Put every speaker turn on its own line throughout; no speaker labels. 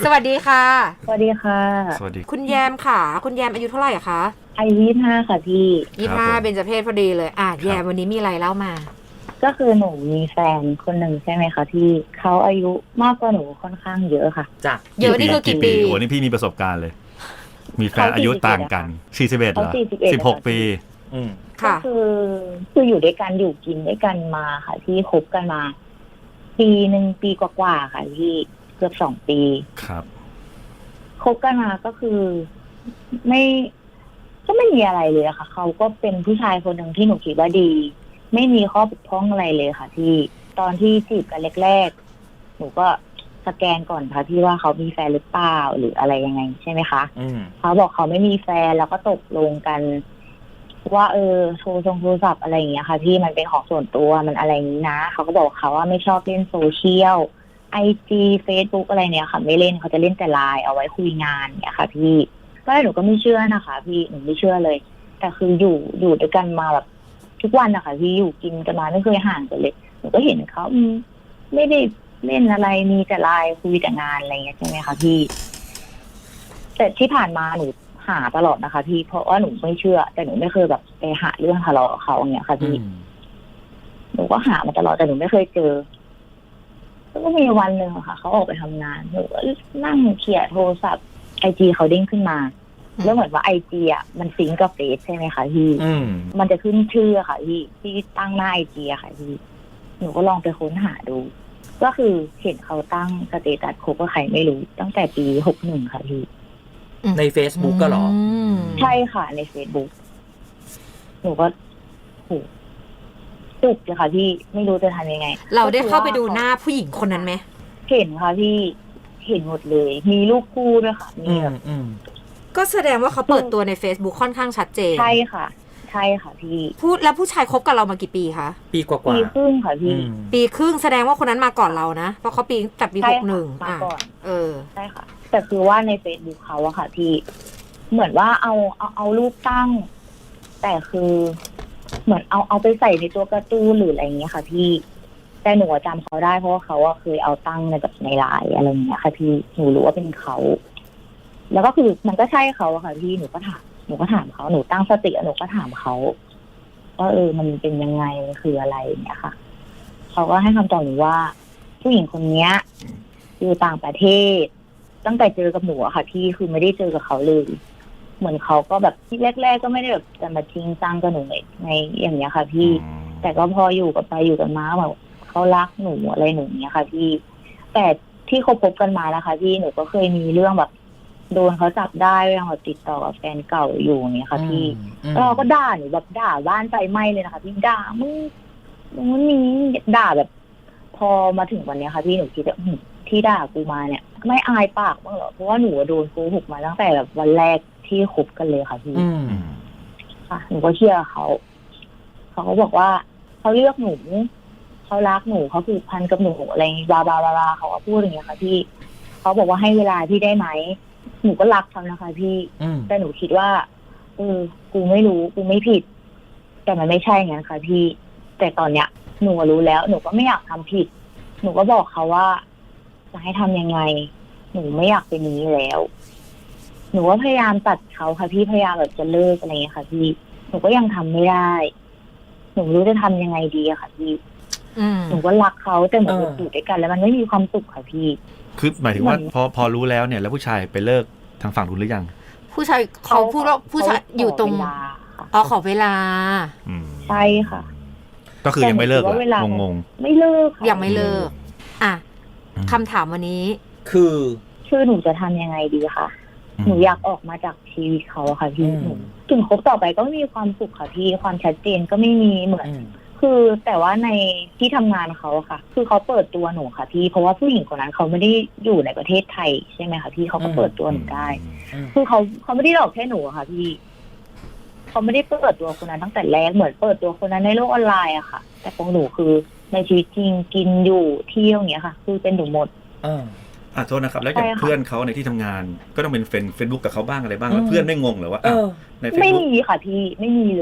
สวัสดีค่ะ
สวัสดีค่ะ
สวัสดี
คุณแยมค่ะคุณแยมอายุเท่าไหร่อะคะ
อายุ25ค่ะพี่
25เบญจเพศพอดีเลยแยมวันนี้มีอะไรเล่ามา
ก็คือหนูมีแฟนคนหนึ่งใช่ไหมคะที่เขาอายุมากกว่าหนูค่อนข้างเยอะค่ะ
จ้ะเยอะนี่คือกี่ปี
โอ้นี่พี่มีประสบการณ์เลยมีแฟนอายุต่างกัน41เหรอ16 ปี
ก็คืออยู่ด้วยกันอยู่กินด้วยกันมาค่ะที่คบกันมาปีหนึ่งปีกว่าๆค่ะที่เกือบ2 ปี
ครับ
คบกันมาก็คือไม่มีอะไรเลยค่ะเขาก็เป็นผู้ชายคนหนึ่งที่หนูคิดว่าดีไม่มีข้อบกพร่องอะไรเลยค่ะที่ตอนที่จีบกันแรกๆหนูก็สแกนก่อนค่ะที่ว่าเขามีแฟนหรือเปล่าหรืออะไรยังไงใช่ไหมคะเขาบอกเขาไม่มีแฟนแล้วก็ตกลงกันว่าโทรศัพท์อะไรอย่างเงี้ยค่ะที่มันเป็นของส่วนตัวมันอะไรนี้นะเขาก็บอกเขาว่าไม่ชอบเล่นโซเชียลIG Facebook อะไรเนี่ยค่ะไม่เล่นเขาจะเล่นแต่ไลน์เอาไว้คุยงานเนี่ยค่ะพี่ก็หนูก็ไม่เชื่อนะคะพี่หนูไม่เชื่อเลยแต่คืออยู่ด้วยกันมาแบบทุกวันนะคะพี่อยู่กินกันมาไม่เคยห่างกันเลยหนูก็เห็นเขาไม่ได้เล่นอะไรมีแต่ไลน์คุยแต่งานอะไรเงี้ยใช่ไหมคะพี่แต่ที่ผ่านมาหนูหาตลอดนะคะพี่เพราะว่าหนูไม่เชื่อแต่หนูไม่เคยแบบไปหาเรื่องทะเลาะกับเขาอย่างเงี้ยค่ะพี่หนูก็หามาตลอดแต่หนูไม่เคยเจอก็มีวันหนึ่งค่ะเขาออกไปทำงานหนูก็นั่งเขี่ยโทรศัพท์IGเขาเด้งขึ้นมาแล้วเหมือนว่าIGอ่ะมันซิงก์กับเฟซใช่ไหมคะพี่มันจะขึ้นชื่อค่ะที่ตั้งหน้าIGอะค่ะพี่หนูก็ลองไปค้นหาดูก็คือเห็นเขาตั้งสเตตัสคบกับใครไม่รู้ตั้งแต่ปี61ค่ะพี่
ใน Facebook ก็หรอ
ใช่ค่ะใน Facebook หนูก็โหจุกเลยค่ะพี่ไม่รู้จะทำยังไง
เราได้เข้าไปดูหน้าผู้หญิงคนนั้นไหม
เห็นค่ะพี่เห็นหมดเลยมีรูปคู่ด้วยค่ะมีแบบ
ก็แสดงว่าเขาเปิดตัวใน Facebook ค่อนข้างชัดเจน
ใช่ค่ะใช่ค่ะพี่
พูดแล้วผู้ชายคบกับเรามากี่ปีคะ
ปีกว่า
ปีครึ่งค่ะพี่
ปีครึ่งแสดงว่าคนนั้นมาก่อนเรานะเพราะเขาปีแต่ปี61
มาก่อนใช่ค่ะแต่คือว่าใน Facebook เขาอะค่ะพี่เหมือนว่าเอารูปตั้งแต่คือเหมือนเอาไปใส่ในตัวการ์ตูนหรืออะไรอย่างเงี้ยค่ะพี่แต่หนูจำเขาได้เพราะว่าเขาเคยเอาตั้งในแบบในไลน์อะไรอย่างเงี้ยค่ะพี่หนูรู้ว่าเป็นเขาแล้วก็คือมันก็ใช่เขาอะค่ะพี่หนูก็ถามเขาหนูตั้งสติหนูก็ถามเขาว่ามันเป็นยังไงคืออะไรอย่างเงี้ยค่ะเขาก็ให้คำตอบหนูว่าผู้หญิงคนนี้อยู่ต่างประเทศตั้งแต่เจอกับหนูอะค่ะพี่คือไม่ได้เจอกับเขาเลยเหมือนเขาก็แบบที่แรกๆก็ไม่ได้แบบจะมาจริงจังกับหนูในอย่างเงี้ยค่ะพี่แต่ก็พออยู่กันไปอยู่กันมาแบบเขารักหนูอะไรหนูเงี้ยค่ะพี่แต่ที่คบกันมานะคะพี่หนูก็เคยมีเรื่องแบบโดนเขาจับได้เรื่องแบบติดต่อกับแฟนเก่าอยู่อย่างเงี้ยค่ะพี่เราก็ด่าหนูแบบด่าบ้านไฟไหม้เลยนะคะพี่ด่ามึงนี่ด่าแบบพอมาถึงวันนี้ค่ะพี่หนูคิดว่าที่ด่ากูมาเนี่ยไม่อายปากบ้างเหรอเพราะว่าหนูโดนโกหกมาตั้งแต่แบบวันแรกที่คบกันเลยค่ะพี่ค่ะหนูก็เชื่อเขาก็บอกว่าเขาเลือกหนูเขารักหนูเขาผูกพันกับหนูอะไรบลาบลาบลาเขาก็พูดอย่างเงี้ยค่ะพี่เขาบอกว่าให้เวลาพี่ได้ไหมหนูก็รักเขานะคะพี่แต่หนูคิดว่ากูไม่รู้กูไม่ผิดแต่มันไม่ใช่งั้นค่ะพี่แต่ตอนเนี้ยหนูรู้แล้วหนูก็ไม่อยากทำผิดหนูก็บอกเขาว่าจะให้ทำยังไงหนูไม่อยากเป็นนี้แล้วหนูว่าพยายามตัดเขาค่ะพี่พยายามแบบจะเลิกอะไรอย่างเงี้ยค่ะพี่หนูก็ยังทำไม่ได้หนูรู้จะทำยังไงดีอะค่ะพี่หนูก็รักเขาแต่เหมือนอยู่ด้วยกันแล้วมันไม่มีความสุขค่ะพี่
คือหมายถึงว่าพอรู้แล้วเนี่ยแล้วผู้ชายไปเลิกทางฝั่งนู้นหรือยัง
ผู้ชายเขาพูดว่าผู้ชายอยู่ตรงขอเวลา
ใช่ค่ะ
ก็คือยังไม่เลิกงง
ไม่เลิก
ยังไม่เลิกคำถามวันนี้
คือหนูจะทำยังไงดีคะหนูอยากออกมาจากชีวิตเขาค่ะพี่ถึงคบต่อไปก็ไม่มีความสุขค่ะพี่ความชัดเจนก็ไม่มีเหมือนคือแต่ว่าในที่ทำงานเขาค่ะคือเขาเปิดตัวหนูค่ะพี่เพราะว่าผู้หญิงคนนั้นเขาไม่ได้อยู่ในประเทศไทยใช่ไหมคะพี่เขาก็เปิดตัวหนูได้คือเขาไม่ได้หลอกแค่หนูค่ะพี่เขาไม่ได้เปิดตัวคนนั้นตั้งแต่แรกเหมือนเปิดตัวคนนั้นในโลกออนไลน์อะค่ะแต่ของหนูคือในชีวิตจริงกินอยู่เที่ยวอย่างเงี้ยค่ะคือเป็นหนูหมด
โทษนะครับแล้วอย่างเพื่อนเขาในที่ทำงานก็ต้องเป็นเฟซบุ๊กกับเขาบ้างอะไรบ้างแล้วเพื่อนไม่งงเหรอว่าใน Facebook
ไม่มีค่ะพี่ไม่มีเลย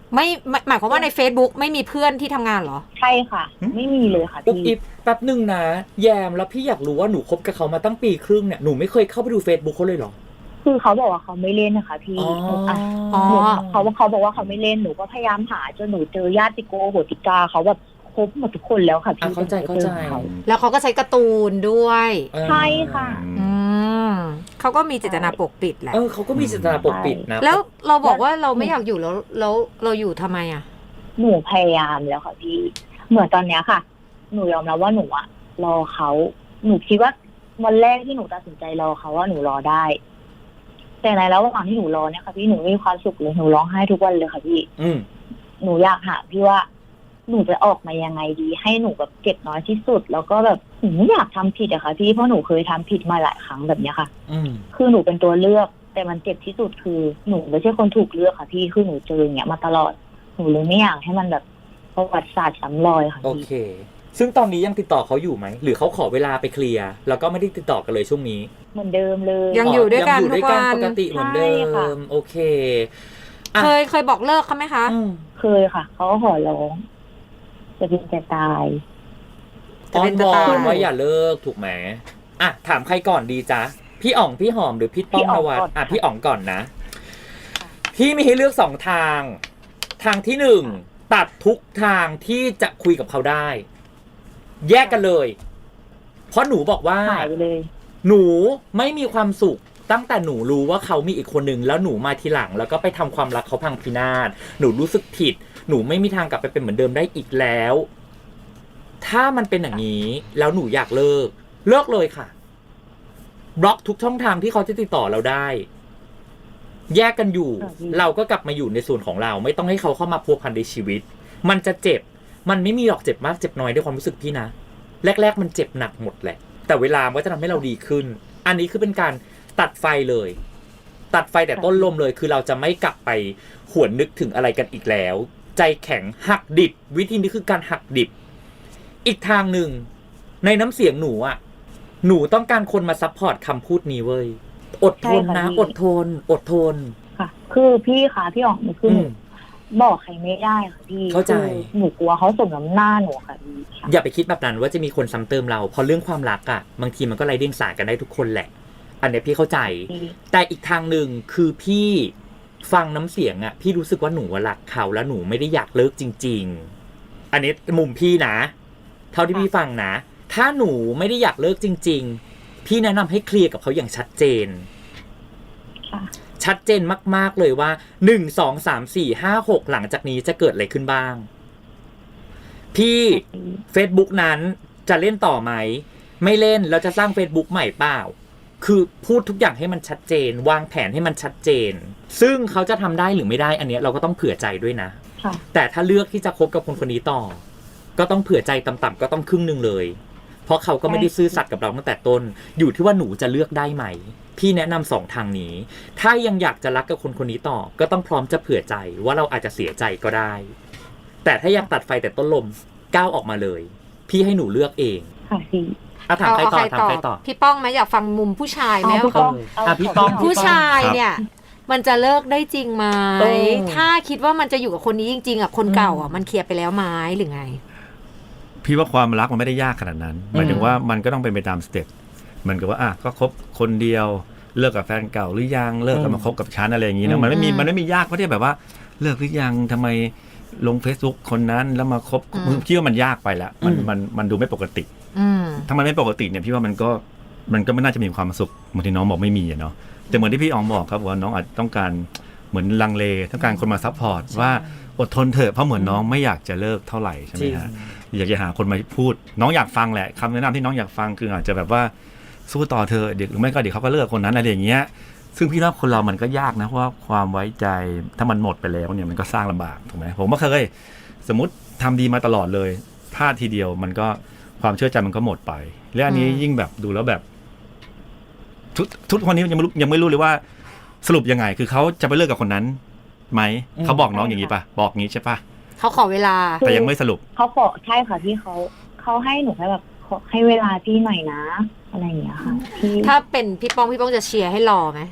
ไม่หมายความว่าใน Facebook ไม่มีเพื่อนที่ทำงานเหรอ
ใช่ค่ะ ไม่มีเลยค่ะ
อุ๊บ
พี่
อิบแป๊บหนึ่งนะแยมแล้วพี่อยากรู้ว่าหนูคบกับเขามาตั้งปีครึ่งเนี่ยหนูไม่เคยเข้าไปดู Facebook เขาเลยเหรอ
คือเขาบอกว่าเขาไม่เล่นนะคะพี่
อ๋อ
อ๋อ
เขาบอกว่าเขาไม่เล่นหนูก็พยายามหาจนหนูเจอญาติโกโหติกาเขาแบบครบหมดทุกคนแล้วค่ะพี่
เข้าใจ
เขา
แล้วเขาก็ใช้การ์ตูนด้วย
ใช่ค่ะ
อืมเขาก็มีเจตนาปกปิดแหละ
เขาก็มีเจตนาปกปิดนะ
แล้วเราบอกว่าเราไม่อยากอยู่แล้วเราอยู่ทำไมอ่ะ
หนูพยายามแล้วค่ะพี่เหมือนตอนเนี้ยค่ะ หนูยอมรับว่าหนูอะรอเขาหนูคิดว่าวันแรกที่หนูตัดสินใจรอเขาว่าหนูรอได้ แต่ในระหว่างที่หนูรอเนี่ยค่ะพี่หนูไม่มีความสุขเลยหนูร้องไห้ทุกวันเลยค่ะพี่ หนูอยากหาพี่ว่าหนูจะออกมายังไงดี ให้หนูแบบเจ็บน้อยที่สุด แล้วก็แบบหนูไม่อยากทำผิดอะค่ะพี่เพราะหนูเคยทำผิดมาหลายครั้งแบบเนี้ยค่ะ คือหนูเป็นตัวเลือก แต่มันเจ็บที่สุดคือหนูไม่ใช่คนถูกเลือกค่ะพี่คือหนูเจออย่างเงี้ยมาตลอดหนูเลยไม่อยากให้มันแบบประวัติศาสตร์ซ้ำรอยค่ะ
โอ
พี่
เค ซึ่งตอนนี้ยังติดต่อเขาอยู่ไหมหรือเขาขอเวลาไปเคลียร์แล้วก็ไม่ได้ติดต่อกันเลยช่วงนี้
เหมือนเดิมเลย
ยังอยู่ด้วยกัน
งอยู่ด้วยกัน
ทุกวัน
ปกติเหมือนเดิ
ใช่ค่ะ
มโอเคอ่ะ
เคยบอกเลิกเขาไหมคะ
เคยค่ะเขาก็ขอร้องจะเป็นจะตาย
จะ
อ้อ
เป็น
น
จะ
วอ
ตาย
นว่าอย่าเลิกถูกไหมอ่ะถามใครก่อนดีจ๊ะพี่อ๋องพี่หอมหรือพี่ป้องนวัดพี่อ๋องก่อนนะพี่มีให้เลือกสองทางทางที่หนึ่งตัดทุกทางที่จะคุยกับเขาได้ แยกกันเลย เพราะหนูบอกว่า
หายไปเลย
หนูไม่มีความสุขตั้งแต่หนูรู้ว่าเขามีอีกคนนึงแล้วหนูมาทีหลังแล้วก็ไปทำความรักเขาพังพินาศหนูรู้สึกผิดหนูไม่มีทางกลับไปเป็นเหมือนเดิมได้อีกแล้ว ถ้ามันเป็นอย่างนี้แล้วหนูอยากเลิกเลยค่ะบล็อกทุกช่องทางที่เขาจะติดต่อเราได้ แยกกันอยู่ เราก็กลับมาอยู่ในส่วนของเรา ไม่ต้องให้เขาเข้ามาพัวพันในชีวิต มันจะเจ็บมันไม่มีหรอกเจ็บมากเจ็บน้อยด้วยความรู้สึกพี่นะแรกๆมันเจ็บหนักหมดแหละแต่เวลามันก็จะทำให้เราดีขึ้น อันนี้คือเป็นการตัดไฟเลย ตัดไฟแต่ต้นลมเลยคือเราจะไม่กลับไปหวนนึกถึงอะไรกันอีกแล้ว ใจแข็งหักดิบวิธีนี้คือการหักดิบอีกทางหนึ่งในน้ำเสียงหนูอ่ะหนูต้องการคนมาซัพพอร์ตคำพูดนี้เว้ยอดทนนะอดทน
ค่ะ คือพี่ค่ะพี่อ๋องคือหนูบอกใครไม่ได้ค่ะพี่
เข้าใจ
หนูกลัวเขาสมน้ำหน้าหนูค่ะพี่ค่ะ
อย่าไปคิดแบบนั้นว่าจะมีคนซ้ำเติมเราเพราะเรื่องความรักอ่ะบางทีมันก็ไร้เดียงสากันได้ทุกคนแหละ อันเนี้ยพี่เข้าใจ แต่อีกทางหนึ่งคือพี่ฟังน้ำเสียงอ่ะพี่รู้สึกว่าหนูรักเขาแล้วหนูไม่ได้อยากเลิกจริงๆอันนี้มุมพี่นะเท่าที่พี่ฟังนะถ้าหนูไม่ได้อยากเลิกจริงๆพี่แนะนำให้เคลียร์กับเขาอย่างชัดเจน
ค่ะ
ชัดเจนมากๆเลยว่า1 2 3 4 5 6หลังจากนี้จะเกิดอะไรขึ้นบ้างพี่ Facebook นั้นจะเล่นต่อไหมไม่เล่นแล้วจะสร้าง Facebook ใหม่เปล่าคือพูดทุกอย่างให้มันชัดเจนวางแผนให้มันชัดเจนซึ่งเขาจะทำได้หรือไม่ได้อันเนี้ยเราก็ต้องเผื่อใจด้วยนะ
ค่ะ
แต่ถ้าเลือกที่จะคบกับคนคนนี้ต่อก็ต้องเผื่อใจต่ำๆก็ต้องครึ่งนึงเลยเพราะเขาก็ไม่ได้ซื่อสัตย์กับเราตั้งแต่ต้นอยู่ที่ว่าหนูจะเลือกได้ไหมพี่แนะนำ2ทางนี้ถ้ายังอยากจะรักกับคนคนนี้ต่อก็ต้องพร้อมจะเผื่อใจว่าเราอาจจะเสียใจก็ได้แต่ถ้าอยากตัดไฟแต่ต้นลมก้าวออกมาเลยพี่ให้หนูเลือกเอง
ค่ะพี่
ถามใครต่อถามใครต่อ
พี่ป้องไหมอยากฟังมุมผู้ชายไหม
พี่
เขา
ป้อง
พี่ป้อง
ผู้ชายเนี่ย มันจะเลิกได้จริงไหม
เออ
ถ้าคิดว่ามันจะอยู่กับคนนี้จริงๆอ่ะคนเก่าอ่ะมันเคลียร์ไปแล้วไหมหรือไง
พี่ว่าความรักมันไม่ได้ยากขนาดนั้นหมายถึงว่ามันก็ต้องเป็นไปตามสเต็ปเหมือนกับว่าก็คบคนเดียวเลิกกับแฟนเก่าหรือยังเลิกกันมาคบกับฉันอะไรอย่างนี้นะมันไม่มียากเพราะที่แบบว่าเลิกหรือยังทำไมลง Facebook คนนั้นแล้วมาคบพี่ว่ามันยากไปแล้วมันดูไม่ปกติถ้ามันไม่ปกติเนี่ยพี่ว่ามันก็ไม่น่าจะมีความสุขบางทีน้องบอกไม่มีเนาะแต่เหมือนที่พี่อ๋องบอกครับว่าน้องอาจต้องการเหมือนลังเลต้องการคนมาซัพพอร์ตว่าอดทนเถอะเพราะเหมือนน้องไม่อยากจะเลิกเท่าไหร่ใช่ไหมฮะอยากจะหาคนมาพูดน้องอยากฟังแหละคำแนะนำที่น้องอยากฟังคืออาจจะแบบว่าสู้ต่อเธอเด็กหรือไม่ก็เดี๋ยวเขาก็เลิกคนนั้นอะไรอย่างเงี้ยซึ่งพี่ว่าคนเรามันก็ยากนะเพราะว่าความไว้ใจถ้ามันหมดไปแล้วเนี่ยมันก็สร้างลำบากถูกไหมผมก็เคยสมมติทำดีมาตลอดเลยพลาดทีเดียวมันก็ความเชื่อใจมันก็หมดไปและอันนี้ยิ่งแบบดูแล้วแบบทุกคนนี้ยังไม่รู้เลยว่าสรุปยังไงคือเขาจะไปเลิกกับคนนั้นไหมเขาบอกน้องอย่างนี้ป่ะบอกงี้ใช่ป่ะ
เขาขอเวลา
แต่ยังไม่สรุป
เขาขอใช่ค่ะพี่เขาให้หนูแค่แบบให้เวลาพี่หน่อยนะอะไรอย่างเงี้ยค่ะพี่
ถ้าเป็นพี่ป้องจะเชียร์ให้รอไหม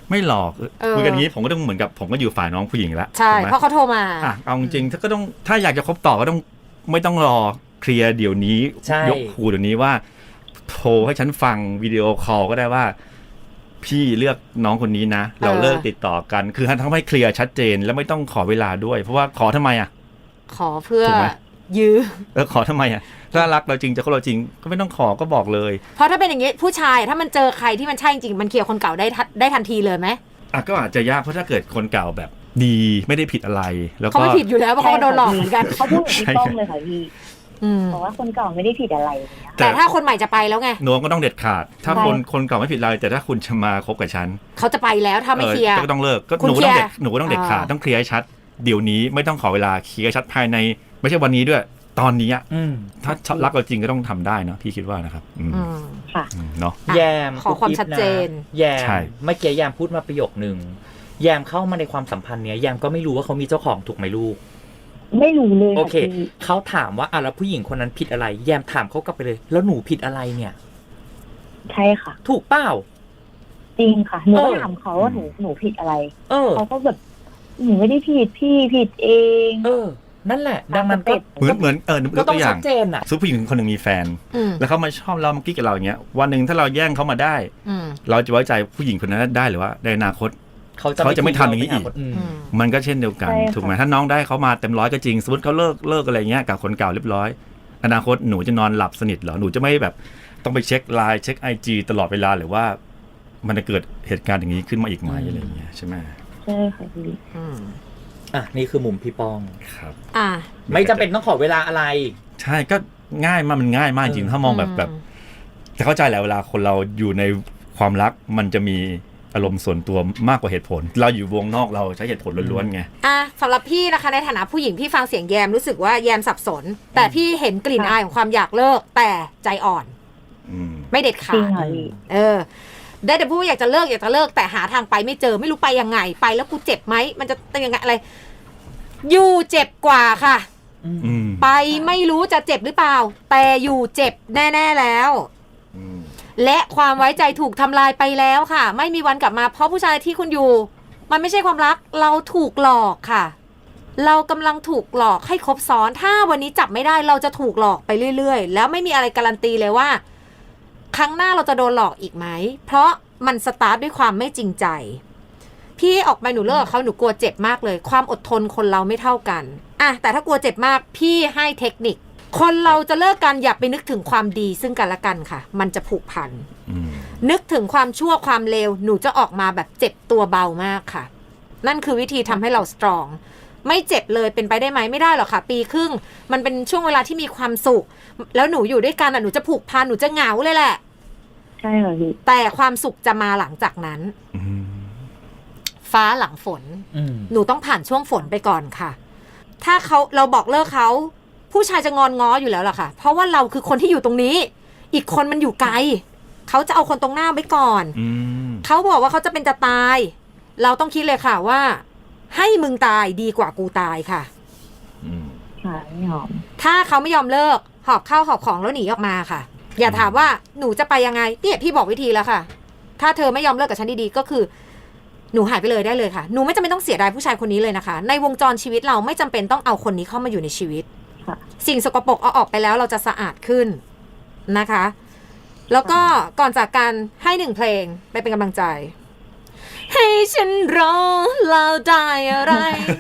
ไม่หลอกคุยกันอย่างนี้ผมก็ต้องเหมือนกับผมก็อยู่ฝ่ายน้องผู้หญิงแล้ว
ใช่เพราะเขาโทรมา
เอาจริงๆก็ต้องถ้าอยากจะคบต่อก็ต้องไม่ต้องรอเคลียร์เดี๋ยวนี้ยกหูเดี๋ยวนี้ว่าโทรให้ฉันฟังวิดีโอคอลก็ได้ว่าพี่เลือกน้องคนนี้นะเราเลิกติดต่อกันคือทำให้เคลียร์ชัดเจนแล้วไม่ต้องขอเวลาด้วยเพราะว่าขอทำไม
ขอเพื่อยื้อ
ขอทำไมถ้ารักเราจริงจะคบเราจริงก็ไม่ต้องขอก็บอกเลย
เพราะถ้าเป็นอย่างนี้ผู้ชายถ้ามันเจอใครที่มันใช่จริงมันเคลียร์คนเก่าได้ทันทีเลยไหม
ก็อาจจะยากเพราะถ้าเกิดคนเก่าแบบดีไม่ได้ผิดอะไรแล้วก็
เขาไม่ผิดอยู่แล้วเพราะเขาโดนหลอกเหมือนกัน
เขาพูดอย่างที่ต้องเลยค่ะพี่บอกว่าคนเก่าไม่ได้ผิดอะไร
แต่ถ้าคนใหม่จะไปแล้วไง
หนูก็ต้องเด็ดขาดถ้าคนเก่าไม่ผิดอะไรแต่ถ้าคุณจะมาคบกับฉัน
เขาจะไปแล้วถ้าไม่เคลียร์
ก็ต้องเลิกก็หนูก็ต้องเด็ดขาดต้องเคลียร์ชัดเดี๋ยวนี้ไม่ต้องขอเวลาเคลียร์ชัดภายในไม่ใช่วันนี้ด้วยตอนนี้ถ้ารักเราจริงก็ต้องทำได้เนาะพี่คิดว่านะครับ
ค่ะ
เนาะ
แยม
ขอความชัดเจน
แยมเมื่อกี้แยมพูดมาประโยคนึงแยมเข้ามาในความสัมพันธ์เนี้ยแยมก็ไม่รู้ว่าเขามีเจ้าของถูกไหมลูก
ไม่รู้เลย
โอเคเขาถามว่าแล้วผู้หญิงคนนั้นผิดอะไรแยมถามเขากลับไปเลยแล้วหนูผิดอะไรเนี่ย
ใช่ค่ะ
ถูกเปล่า
จริงค่ะหนูก็ถามเขาว่าหนูผิดอะไรเขาก็แบบหนูไม่ได้ผิดพี่ผิดเอง
นั่นแหละดังนั้นก็
เหมือน
ก็ต้องชัดเจนอ่ะ
สมมุติผู้หญิงคนหนึ่งมีแฟนแล้วเขามาชอบเรามากิ๊กกับเราอย่างเงี้ยวันหนึ่งถ้าเราแย่งเขามาได้เราจะไว้ใจผู้หญิงคนนั้นได้หรือว่าในอนาคตเขาจะไม่ทำอย่างนี้อีกมันก็เช่นเดียวกันถูกไหมถ้าน้องได้เขามาเต็มร้อยก็จริงสมมติเขาเลิกอะไรเงี้ยกับคนเก่าเรียบร้อยอนาคตหนูจะนอนหลับสนิทเหรอหนูจะไม่แบบต้องไปเช็คไลน์เช็ค IG ตลอดเวลาหรือว่ามันจะเกิดเหตุการณ์อย่างนี้ขึ้นมาอีกไหมอะไรเงี้ยใช่ไหม
ใช่ค่ะพี่
นี่คือมุมพี่ป้อง
ครับ
ไม่จำเป็นต้องขอเวลาอะไร
ใช่ก็ง่ายมากมันง่ายมากจริงถ้ามองแบบจะเข้าใจแหละเวลาคนเราอยู่ในความรักมันจะมีอารมณ์ส่วนตัวมากกว่าเหตุผลเราอยู่วงนอกเราใช้เหตุผลล้วนๆไง
สำหรับพี่นะคะในฐานะผู้หญิงพี่ฟังเสียงแยมรู้สึกว่าแยมสับสนแต่พี่เห็นกลิ่นอายของความอยากเลิกแต่ใจอ่อนไม่เด็ดขาดได้แต่พูดอยากจะเลิกแต่หาทางไปไม่เจอไม่รู้ไปยังไงไปแล้วกูเจ็บไหมมันจะเป็นยังไงอะไรอยู่เจ็บกว่าค่ะไปไม่รู้จะเจ็บหรือเปล่าแต่อยู่เจ็บแน่ๆแล้วและความไว้ใจถูกทำลายไปแล้วค่ะไม่มีวันกลับมาเพราะผู้ชายที่คุณอยู่มันไม่ใช่ความรักเราถูกหลอกค่ะเรากำลังถูกหลอกให้ครบซ้อนถ้าวันนี้จับไม่ได้เราจะถูกหลอกไปเรื่อยๆแล้วไม่มีอะไรการันตีเลยว่าครั้งหน้าเราจะโดนหลอกอีกไหมเพราะมันสตาร์ทด้วยความไม่จริงใจพี่ออกไปหนูเลิกเขาหนูกลัวเจ็บมากเลยความอดทนคนเราไม่เท่ากันแต่ถ้ากลัวเจ็บมากพี่ให้เทคนิคคนเราจะเลิกกันอย่าไปนึกถึงความดีซึ่งกันและกันค่ะมันจะผูกพันนึกถึงความชั่วความเลวหนูจะออกมาแบบเจ็บตัวเบามากค่ะนั่นคือวิธีทำให้เราสตรองไม่เจ็บเลยเป็นไปได้ไหมไม่ได้หรอกค่ะปีครึ่งมันเป็นช่วงเวลาที่มีความสุขแล้วหนูอยู่ด้วยกันหนูจะผูกพันหนูจะเหงาเลยแหละ
ใช่ค่ะพี่
แต่ความสุขจะมาหลังจากนั้นฟ้าหลังฝนหนูต้องผ่านช่วงฝนไปก่อนค่ะถ้าเราบอกเลิกเขาผู้ชายจะงอนง้ออยู่แล้วล่ะค่ะเพราะว่าเราคือคนที่อยู่ตรงนี้อีกคนมันอยู่ไกลเขาจะเอาคนตรงหน้าไว้ก่อนเขาบอกว่าเขาจะเป็นจะตายเราต้องคิดเลยค่ะว่าให้มึงตายดีกว่ากูตายค่ะ
ไม่ยอม
ถ้าเขาไม่ยอมเลิกหอบข้าวหอบของแล้วหนีออกมาค่ะอย่าถามว่าหนูจะไปยังไงเนี่ยพี่บอกวิธีแล้วค่ะถ้าเธอไม่ยอมเลิกกับฉันดีๆก็คือหนูหายไปเลยได้เลยค่ะหนูไม่จำเป็นต้องเสียดายผู้ชายคนนี้เลยนะคะในวงจรชีวิตเราไม่จำเป็นต้องเอาคนนี้เข้ามาอยู่ในชีวิตสิ่งสกปรกเอาออกไปแล้วเราจะสะอาดขึ้นนะคะแล้วก็ก่อนจากกันให้1เพลงไปเป็นกำลังใจให้ฉันรอเราได้อะไร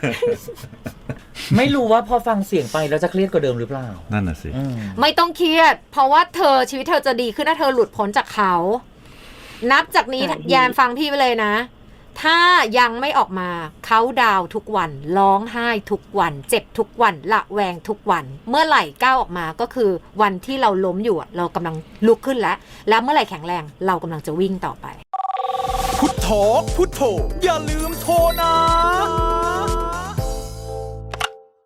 ไม่รู้ว่าพอฟังเสียงไปแล้วจะเครียดกว่าเดิมหรือเปล่า
นั่นน่ะสิ
ไม่ต้องเครียดเพราะว่าชีวิตเธอจะดีขึ้นถ้าเธอหลุดพ้นจากเขานับจากนี้แยมฟังพี่ไปเลยนะถ้ายังไม่ออกมาเขาดาวทุกวันร้องไห้ทุกวันเจ็บทุกวันละแวงทุกวันเมื่อไหร่ก้าวออกมาก็คือวันที่เราล้มอยู่เรากำลังลุกขึ้นแล้วเมื่อไหร่แข็งแรงเรากำลังจะวิ่งต่อไป
พุทโธพุทโธอย่าลืมโทรนะ